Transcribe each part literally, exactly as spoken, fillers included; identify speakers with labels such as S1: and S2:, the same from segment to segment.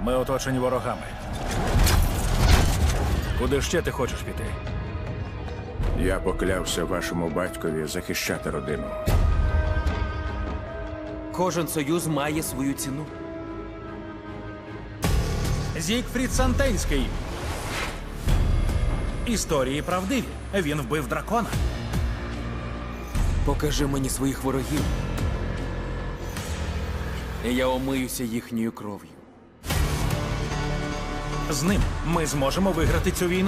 S1: Ми оточені ворогами. Куди ще ти хочеш піти?
S2: Я поклявся вашому батькові захищати родину.
S3: Кожен союз має свою ціну.
S1: Зігфрід Сантенський. Історії правдиві. Він вбив дракона.
S3: Покажи мені своїх ворогів. І я омиюся їхньою кров'ю.
S1: З ним ми зможемо виграти цю війну.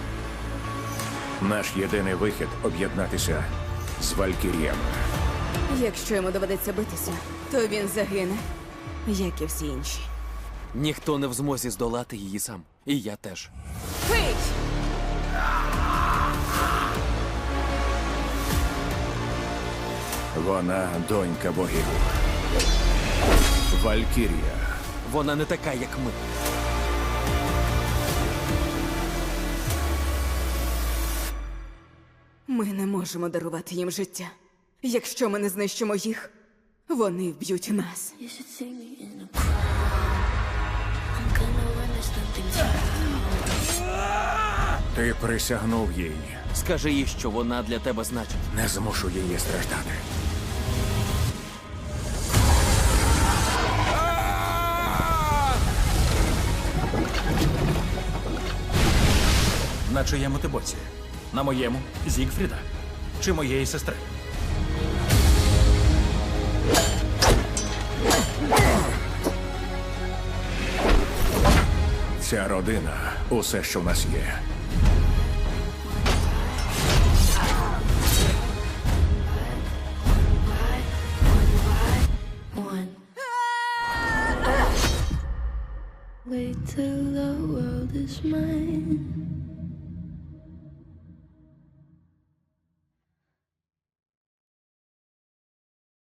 S2: Наш єдиний вихід – об'єднатися з Валькіріями.
S4: Якщо йому доведеться битися, то він загине, як і всі інші.
S3: Ніхто не в змозі здолати її сам. І я теж.
S4: Пий!
S2: Вона донька богів. Валькірія.
S3: Вона не така, як ми.
S4: Ми не можемо дарувати їм життя. Якщо ми не знищимо їх, вони вб'ють нас.
S5: You should see me in a crowd. I'm gonna run, there's nothing to
S2: Ти присягнув їй.
S3: Скажи їй, що вона для тебе значить.
S2: Не змушу її страждати.
S1: На чиєму ти боці? На моєму Зігфріда? Чи моєї сестри?
S2: Ця родина – усе, що в нас є.
S5: one. Wait till the world is mine.